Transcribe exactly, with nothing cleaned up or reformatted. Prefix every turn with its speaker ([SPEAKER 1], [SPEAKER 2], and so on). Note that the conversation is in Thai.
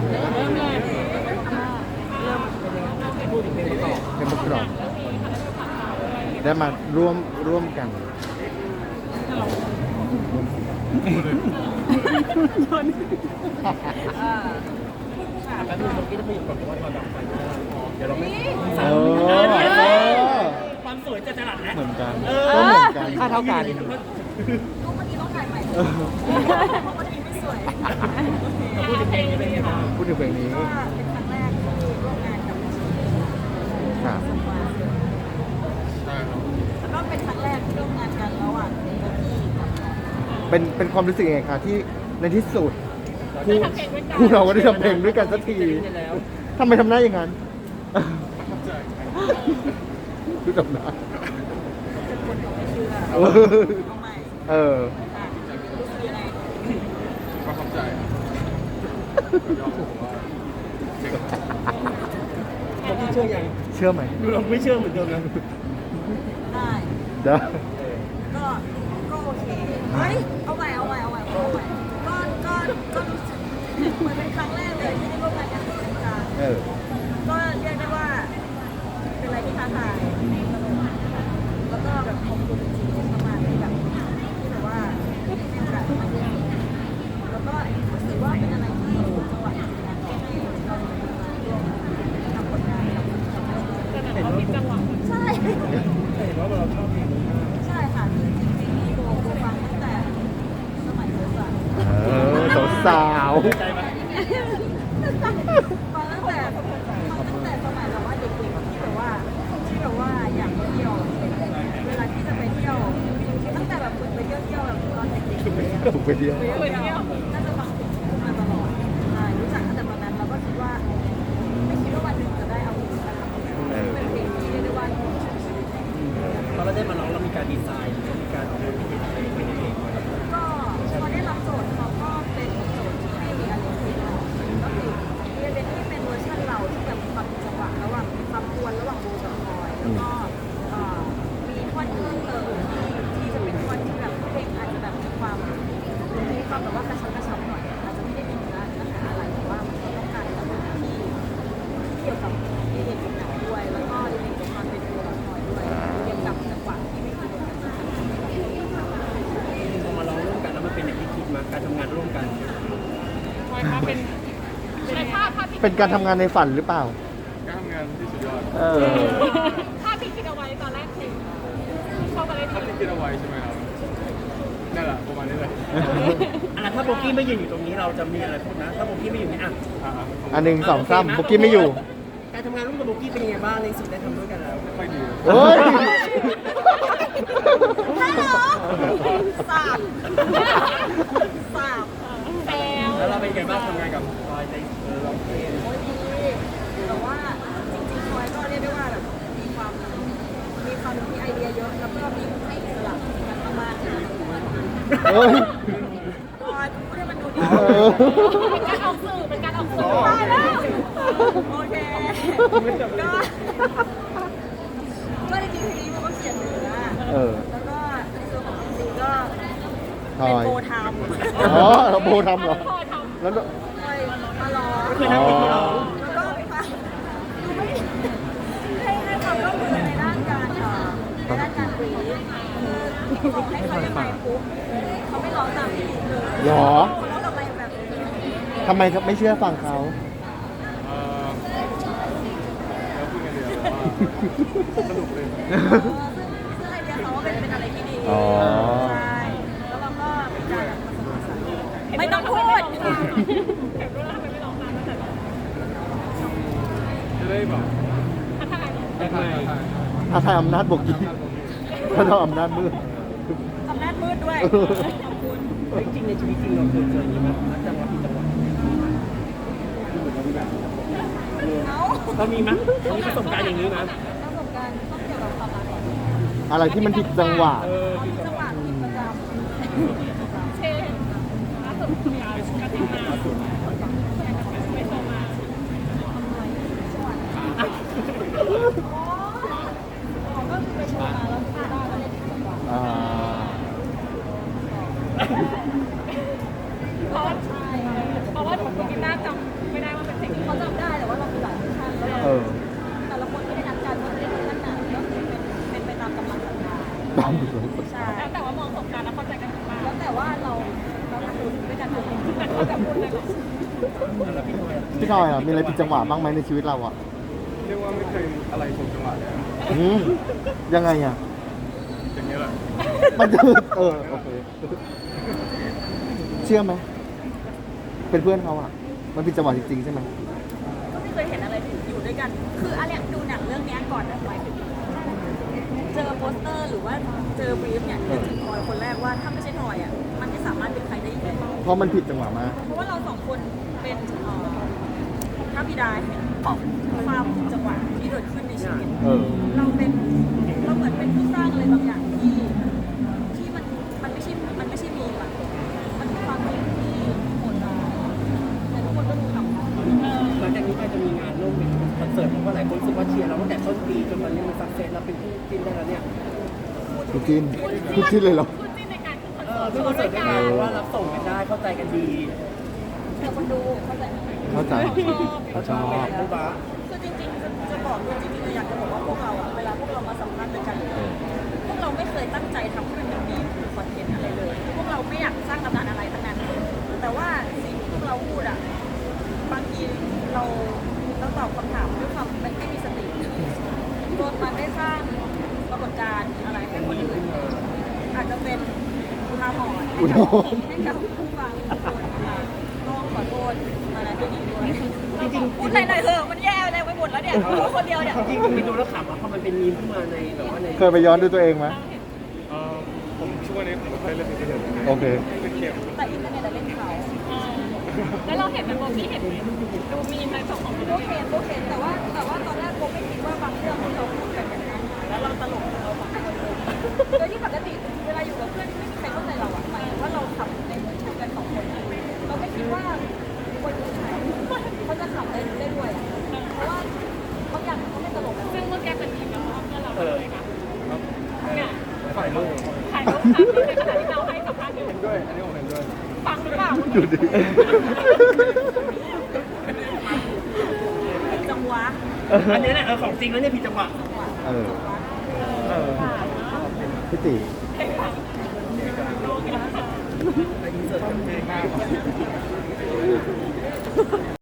[SPEAKER 1] เริ่มเลยพูดถึงเพลงประกอบ
[SPEAKER 2] เป็นประกอบได้มาร่วมร่วมกัน
[SPEAKER 1] แป๊บนึงเมื่อกี้จะพูดก่อนว่าตอนดับไฟเดี๋ยวเราไม่
[SPEAKER 2] เอ
[SPEAKER 1] เอ
[SPEAKER 2] อ
[SPEAKER 1] ความสวยจะจรัสนะ
[SPEAKER 2] เหมือนกัน
[SPEAKER 1] เอ
[SPEAKER 2] ก็เหมือนกัน
[SPEAKER 1] ค่าเท่ากัน
[SPEAKER 3] รูปเมื่อกี้ต้องถ่ายใหม่
[SPEAKER 2] เออ
[SPEAKER 3] เพราะเมื่อกี้ไม่สวย
[SPEAKER 1] พูดถึงเพลงนี้เป็นไงบ้าง
[SPEAKER 2] พูดถึงเพลงนี้
[SPEAKER 3] ก็เป็นครั้งแรกที่ร่วมงานกับ
[SPEAKER 2] ครับ
[SPEAKER 3] แล้วก็เป็นครั้งแรกที่ร่วมงานกันระหว่างเบกกี้กับ
[SPEAKER 2] เป็นเป็นความรู้สึกยังไงคะที่ในที่สุดคู่คู่เราก็ได้ทำเพลงด้วยกันสักทีทำไมทำหน้าอย่างนั้นดูทำหน้า
[SPEAKER 3] เป็นคนที่ไม่เชื่อ
[SPEAKER 2] เออ
[SPEAKER 3] เอาใหม่
[SPEAKER 2] เออ
[SPEAKER 3] อ่ะรู้สึกยังไง
[SPEAKER 4] ประทับใจยอมผมว่าเจ๋ง
[SPEAKER 1] เราพี่เชื่อยัง
[SPEAKER 2] เชื่อไหม
[SPEAKER 1] เราไม่เชื่อเหมือนเดิมนะ
[SPEAKER 3] ได้
[SPEAKER 2] ได้
[SPEAKER 3] ก็ก็โอเคเฮ้ยเอาใหม่เอาใหม่เอาใหม่เอาใหม่ก็ก็ก็รู้สึกเหมือนเป็นครั้งแรกเลยที่ได้ร่วมงานกันจริงจัง
[SPEAKER 2] เออ
[SPEAKER 3] ก็เรียกได้ว่าเป็นอะไรที่ท้าทายแล้วก็แบบขอบคุณจริงๆมากๆที่แบบที่แบบว่าให้โอกาสมาด้วยแล้วก็รู้สึกว่าเป็นอะไรที่จังหวะจริงๆนะที่ให้เรามาร่วมทำผลงานกับกับใช่
[SPEAKER 1] เห็นว่าเราชอบเพลงนี้มาก
[SPEAKER 3] ใช่ค่ะจริงๆจริงๆโบโบฟังตั้งแต่สมัยเด็กอะ
[SPEAKER 2] เออสาว
[SPEAKER 1] ใจไหม
[SPEAKER 3] ฟังตั้งแต่ฟังตั้งแต่สมัยแบบว่าเด็กๆที่แบบว่าที่แบบว่าอยากไปเที่ยวเวลาที่จะไปเที่ยวตั้งแต่แบบฝึกไปเที่ยวเที่ยวแบบตอนเด็กๆเลยอะ
[SPEAKER 2] ถูกไปเดียว
[SPEAKER 3] ไปเที่ยวน่าจะฟังเพลงนี้มาตลอดใช่รู้จักตั้งแต่ตอนนั้นเราก็คิดว่าไม่คิดว่าวันหนึ่งจะได้เอาเพลงนี้มาทำเป็นเพลงที่เรียกได้ว่า
[SPEAKER 1] พอเราได้มาร้องเรามีการดีไซน์มีการเอาเพลงที่เป็นเพลงเอง
[SPEAKER 3] ก็พอได้รับโจทย์เขาก็เป็นโจทย์ที่ให้มีอะไรที่เราก็คือเรียนเป็นที่เป็นเวอร์ชันเราที่แบบมีความเป็นจังหวะระหว่างความกวนระหว่างโบกับพลอยแล้วก็เอ่อมีท่อนเพิ่มเติมที่ที่จะเป็นท่อนที่แบบเพลงอาจจะแบบมีความมีความแบบว่ากระชับกระชับหน่อยอาจจะไม่ได้มีเนื้อเนื้อหาอะไรแต่ว่ามันก็ต้องการจังหวะที่เกี่ยวกับเรื่องของหนังด้วย แล้วก็เรื่องของความเป็นตัวละครด้วยเกี่ยวกับจังหวะที่ไม่เหมือนกัน
[SPEAKER 1] พอมาร้องร่วมกันแล้วมันเป็นอย่างที่คิดมาการทำงานร่วมกัน
[SPEAKER 2] เป็นการทำงานในฝันหรือเปล่า
[SPEAKER 4] การทำงานที่สุดยอด
[SPEAKER 2] เออ
[SPEAKER 5] ภาพที่คิดเอาไว้ตอนแรกคือเข้ามาได้
[SPEAKER 4] ถ้า
[SPEAKER 5] ที
[SPEAKER 4] ที่คิดเอาไว้ใช่ไหมครับนั่นแหละประมาณนี้เลย
[SPEAKER 1] อ่ะถ้าโบกี้ไม่ยืนอยู่ตรงนี้เราจะมีอะไรพูดนะ ถ้าโบกี้ไม่อยู่นี่อ่ะ
[SPEAKER 4] อ่า
[SPEAKER 2] อันหนึ่งสองสามบุกกี้ไม่อยู่
[SPEAKER 1] การทำงานร่วมกับโบกี้เป็นยังไงบ้างในสิ่งที่ได้ทำด้วยกันแล้ว
[SPEAKER 4] ไม่ค่อยดี
[SPEAKER 2] เฮ้ย
[SPEAKER 3] ฮัลโหลสามสาม
[SPEAKER 5] แซว
[SPEAKER 1] แล้วเราเป็นยังไงบ้างทำงานกับพลอยในเออร้องเพลง
[SPEAKER 3] โอ้ยดีแต่ว่าจริงๆพลอยก็เรียกได้ว่าแบบมีความมีความมีไอเดียเยอะแล้วก็มีให้อิสระในการทำงานที่มันดูมัน
[SPEAKER 2] เฮ้ย
[SPEAKER 3] พลอยพูดให้มันดูดี
[SPEAKER 2] เออ
[SPEAKER 5] เป็นการออกสื่อเป็นการออกสื่อ
[SPEAKER 3] ตายแล้วโอเคก็ก็จริงๆเพลงนี้มันก็เขียนเนื้อ
[SPEAKER 2] เออ
[SPEAKER 3] แล้วก็ในส่วนของจริงๆก็
[SPEAKER 2] ทอ
[SPEAKER 3] เป็น
[SPEAKER 2] ย
[SPEAKER 3] โบทำ
[SPEAKER 2] อ๋อเราโบทำเหรอ
[SPEAKER 5] พอท
[SPEAKER 2] แล้ว
[SPEAKER 3] เคยมาร้อง
[SPEAKER 1] ก็คือนั่งเป็นที่ร้อง
[SPEAKER 3] แล้วก็มาดูไม่ให้ให้ความร่วมมือในด้านการเอ่อในด้านการรีคือบอกให้เขายังไงปุ๊บเขาไม่ร้องตามที่เลย
[SPEAKER 2] หรอ
[SPEAKER 3] เขาร้องอะไรแบบนี้
[SPEAKER 2] ทำไมไม่เชื่อฟังเขา
[SPEAKER 4] เอ่อแล้วพูดกันเดียวว่าสนุกเลย
[SPEAKER 3] เออซึ่งซึ่งไอเดียเขาว่าเป็นเป็นอะไรที่ดี
[SPEAKER 2] อ๋อ
[SPEAKER 3] ใช่แล้วเราก็เป็นการแบบผสมผสานไม่ต้องพูด
[SPEAKER 4] จะได้แบบ
[SPEAKER 1] ยังไง
[SPEAKER 2] อาทายอำนาจบวกกี้ถ้าเราอำนาจมืด
[SPEAKER 3] อำนาจมืดด้วย ขอบคุณ
[SPEAKER 1] จริงๆในชีวิตจริงเราเคยเจออย่างนี้ไหมนักจังหวะผิดจังหวะ
[SPEAKER 3] เอ้า
[SPEAKER 1] เรามีมั้ยมีประสบการณ์อย่างนี้มั้ย
[SPEAKER 3] ประสบการณ์ต้องเกี่ยวกับความรักก่อน
[SPEAKER 2] อะไรที่มันผิดจังหวะ
[SPEAKER 1] เออ
[SPEAKER 3] มีจังหวะผิดประจำ
[SPEAKER 5] ำเช่นล่าสุดมีการทำงานไปโชว์มา
[SPEAKER 3] อ๋อก็คือไปโชว์มาแล้วที่บ้านก็เล่นจังหวะ
[SPEAKER 2] อ่า
[SPEAKER 5] เพราะว่าเพราะว่าหนูกีตาร์จำไม่ได้ว่า
[SPEAKER 1] แล้วพี่ทำไมล่ะ
[SPEAKER 2] พี่ทอยอ่ะมีอะไรผิดจังหวะบ้างไหมในชีวิตเราอ่ะ
[SPEAKER 4] เรียกว่าไม่เคยอะไรถูกจังหวะเลยอะ
[SPEAKER 2] อืมยังไงอ่ะ
[SPEAKER 4] อย่างนี้ยแหละ
[SPEAKER 2] มันจะเออโอเคเชื่อไหมเป็นเพื่อนเขาอ่ะ มันผิดจังหวะจริงๆใช่ไหม
[SPEAKER 3] ก็ไม่เคยเห็นอะไรอยู่ด้วยกัน คืออะไรดูหนังเรื่องเนี้ยก่อนนะหมายถึงเจอโปสเตอร์หรือว่าเจอบรีฟเนี่ยนึกถึงทอยคนแรกว่าถ้าไม่ใช่ทอยอ่ะมันไม่สามารถเป็นใครได้อีกเลย
[SPEAKER 2] เพราะมันผิดจังหวะมาก
[SPEAKER 3] เพราะว่าเราสองคนเป็นเอ่อพระบิดาแห่งความจังหวะที่เกิดขึ้นในชีวิต
[SPEAKER 2] เออ
[SPEAKER 3] เราเป็นเราเหมือนเป็นผู้สร้างอะไรบางอย่างที่ที่มันมันไม่ใช่มันไม่ใช่มีมอะมันเป็นความจริงที่โหดร้ายแต่ทุกคนก็ดูหนัง
[SPEAKER 1] หลังจากนี้ไปจะมีงานร่วมเป็นคอนเสิร์ตเพราะว่าหลายคนรู้สึกว่าเชียร์เราตั้งแต่ต้นปีจนตอนนี้มันสักเซสเราเป็นคู่จิ้นได้แล้วเนี่ย
[SPEAKER 2] คุณจินคุณจินเลยเหรอ
[SPEAKER 5] คุณจิ้นในการขึ้นคอน
[SPEAKER 1] เอ
[SPEAKER 5] เสิ
[SPEAKER 1] อ
[SPEAKER 5] ร์ต
[SPEAKER 1] ขึ้นคอนเสิร์ตด้วยกันเพราะว่ารับส่งกันได้เข้าใจกันดี
[SPEAKER 3] แต่คนดูเข้าใจไหม
[SPEAKER 2] เข้าใจ
[SPEAKER 1] เขาชอบแบบรู้ปะ
[SPEAKER 3] คือจริงๆจะจะบอกเลยจริงๆเลยอยากจะบอกว่าพวกเราอะเวลาพวกเรามาสัมภาษณ์ด้วยกันพวกเราไม่เคยตั้งใจทำให้มันเป็นมีมหรือคอนเทนต์อะไรเลย พวกเราไม่อยากสร้างตำนานอะไรทั้งนั้น แต่ว่าสิ่งที่พวกเราพูดอะบางทีเราเราตอบคำถามด้วยความไม่ไม่มีสติจนมันได้สร้างปรากฏการณ์อะไรให้คนอื่นอาจจะเป็นอุทาหรณ์ให้
[SPEAKER 2] อุ
[SPEAKER 3] กั
[SPEAKER 2] ทา
[SPEAKER 3] บ
[SPEAKER 2] หรณ์
[SPEAKER 3] ให้กับผู้ฟังทุกคนนะคะต้องขอโทษอะไรที่ดีด้วย
[SPEAKER 1] จริง
[SPEAKER 3] พูดหน่อยๆเถอะมันแย่อะไรไปหมดแล้วเนี่ยพูดคนเดียวเนี่ย
[SPEAKER 1] ๆจริงๆไปดูแล้วขำอ่ะเพราะมันเป็นมีมขึ้นมาในแบบว่าใน
[SPEAKER 2] เคยไปย้อนดูตัวเองไหม
[SPEAKER 4] เอ่อผมช่วงนี้ผมไม่ค่อยเล่นอินเทอร์เน็ตเลย
[SPEAKER 2] โอเค
[SPEAKER 4] เป็นเกม
[SPEAKER 3] แต่อินเทอร์เน็ตอะเล่นเขา
[SPEAKER 5] แล้วเราเห็นไหมโบพี่เห็นไหมดูมีในส่งของพี่
[SPEAKER 3] พวกเห็นพวกเห็นแต่ว่าแต่ว่าตอนแรกผมไม่คิดว่าบางเรื่องที่เราพูดกันอย่างนั้นแล้วเราตลกเราฝังคนเลยโดยที่ปกติเวลาอยู่กับเพื่อนไม่มีใครเข้าใจเราอะหมายถึงว่าเราขับในเหมือนกันสองคนเราไม่คิดว่าคนอื่นเขาจะขับได้ได้ด้วยอะเพราะว่าบางอย่างเขาไม่ตลกอะ
[SPEAKER 5] ซึ่งเมื่อกี้เป็นทีมแล้วเพื่อนเราเลยค่ะเนี่ย
[SPEAKER 4] ถ่ายรูป
[SPEAKER 5] ถ่ายรูปค่ะในขณะที่เราให้สัมภาษณ์อยู่
[SPEAKER 4] เห็นด้วย อันนี้ผมเห็นด้วย
[SPEAKER 5] ฟังหรือเปล่า
[SPEAKER 2] ดูดิ
[SPEAKER 3] จังหวะ
[SPEAKER 1] อันนี้แหละเออของจริงแล้วเนี่ยผิดจังหวะ
[SPEAKER 2] เออ
[SPEAKER 1] เออ
[SPEAKER 2] พี่ติ
[SPEAKER 1] ไปอินเสิร์ตกัน